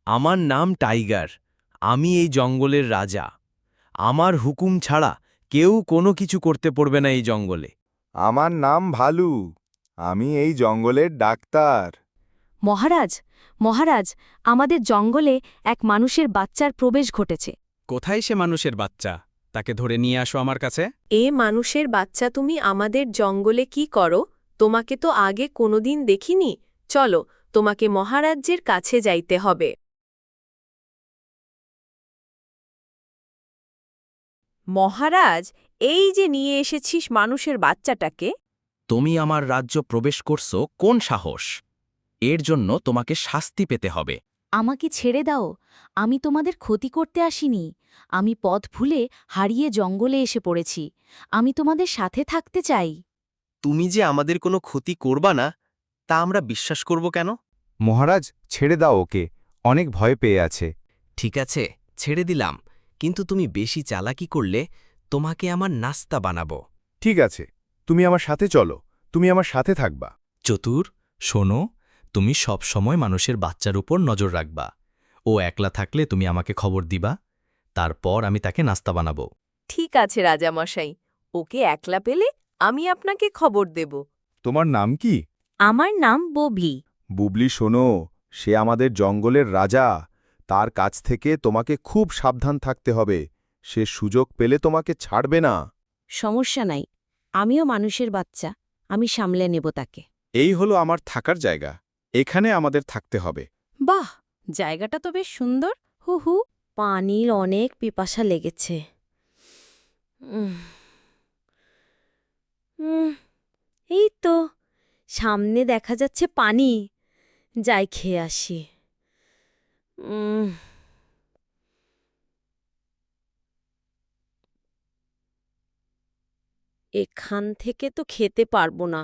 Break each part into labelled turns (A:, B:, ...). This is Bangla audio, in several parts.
A: আমার নাম টাইগার। আমি এই জঙ্গলের রাজা। আমার হুকুম ছাড়া কেউ কোনো কিছু করতে পারবে না এই জঙ্গলে।
B: আমার নাম ভালু। আমি এই জঙ্গলের ডাক্তার।
C: মহারাজ মহারাজ আমাদের জঙ্গলে এক মানুষের বাচ্চার প্রবেশ ঘটেছে।
D: কোথায় সে মানুষের বাচ্চা? তাকে ধরে নিয়ে আসো আমার কাছে।
E: এ মানুষের বাচ্চা, তুমি আমাদের জঙ্গলে কি করো? তোমাকে তো আগে কোনোদিন দেখিনি। চলো, তোমাকে মহারাজ্যের কাছে যাইতে হবে। মহারাজ, এই যে নিয়ে এসেছিস মানুষের বাচ্চাটাকে।
A: তুমি আমার রাজ্য প্রবেশ করছো কোন সাহস? এর জন্য তোমাকে শাস্তি পেতে হবে।
C: আমাকে ছেড়ে দাও, আমি তোমাদের ক্ষতি করতে আসিনি। আমি পথ ভুলে হারিয়ে জঙ্গলে এসে পড়েছি। আমি তোমাদের সাথে থাকতে চাই।
A: তুমি যে আমাদের কোনো ক্ষতি করবা না, তা আমরা বিশ্বাস করব কেন?
B: মহারাজ, ছেড়ে দাও ওকে, অনেক ভয় পেয়ে আছে।
A: ঠিক আছে, ছেড়ে দিলাম, কিন্তু তুমি বেশি চালাকি করলে তোমাকে আমার নাস্তা বানাবো।
B: ঠিক আছে, তুমি আমার সাথে চলো, তুমি আমার সাথে থাকবা।
A: চতুর, শোনো, তুমি সব সময় মানুষের বাচ্চার উপর নজর রাখবা। ও একলা থাকলে তুমি আমাকে খবর দিবা, তারপর আমি তাকে নাস্তা বানাবো।
E: ঠিক আছে রাজামশাই, ওকে একলা পেলে আমি আপনাকে খবর দেব।
B: তোমার নাম কি?
C: আমার নাম ববলি।
B: বুবলি, শোনো, সে আমাদের জঙ্গলের রাজা। তার কাছ থেকে তোমাকে খুব সাবধান থাকতে হবে। সে সুযোগ পেলে তোমাকে ছাড়বে না।
C: সমস্যা নাই, আমিও মানুষের বাচ্চা, আমি সামলে নেব তাকে।
B: এই হলো আমার থাকার জায়গা, এখানে আমাদের থাকতে হবে।
C: বাহ, জায়গাটা তো বেশ সুন্দর। হু হু, পানির অনেক পিপাসা লেগেছে। এই তো সামনে দেখা যাচ্ছে পানি। যাই খেয়ে আসি। এখান থেকে তো খেতে পারবো না।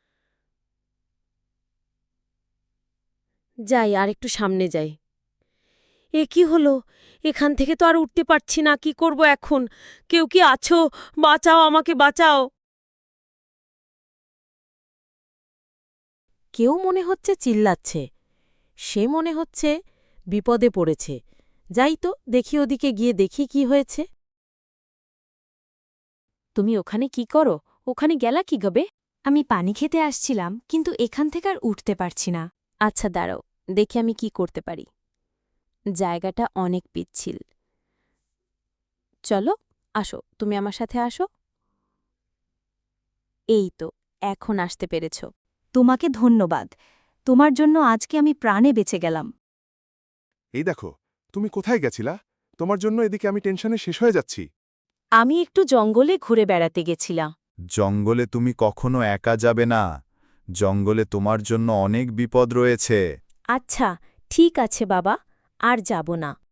C: যাই, আর একটু সামনে যাই। এ কি হলো? এখান থেকে তো আর উঠতে পারছি না। কি করব এখন? কেউ কি আছো? বাঁচাও, আমাকে বাঁচাও। কেউ মনে হচ্ছে চিল্লাচ্ছে। সে মনে হচ্ছে বিপদে পড়েছে। যাই তো, দেখি ওদিকে গিয়ে দেখি কি হয়েছে। তুমি ওখানে কি করো? ওখানে গেলা কি গবে? আমি পানি খেতে আসছিলাম, কিন্তু এখান থেকে আর উঠতে পারছি না। আচ্ছা দাঁড়াও, দেখি আমি কি করতে পারি। জায়গাটা অনেক পিচ্ছিল। চলো, আসো, তুমি আমার সাথে আসো। এই তো, এখন আসতে পেরেছ। তোমাকে ধন্যবাদ। তোমার জন্য আজকে আমি প্রাণে বেঁচে গেলাম।
B: এই দেখো, তুমি কোথায় গেছিলা? তোমার জন্য এদিকে আমি টেনশনে শেষ হয়ে যাচ্ছি।
C: আমি একটু জঙ্গলে ঘুরে বেড়াতে গেছিলাম।
B: জঙ্গলে তুমি কখনো একা যাবে না। জঙ্গলে তোমার জন্য অনেক বিপদ রয়েছে।
C: আচ্ছা, ঠিক আছে বাবা, আর যাব না।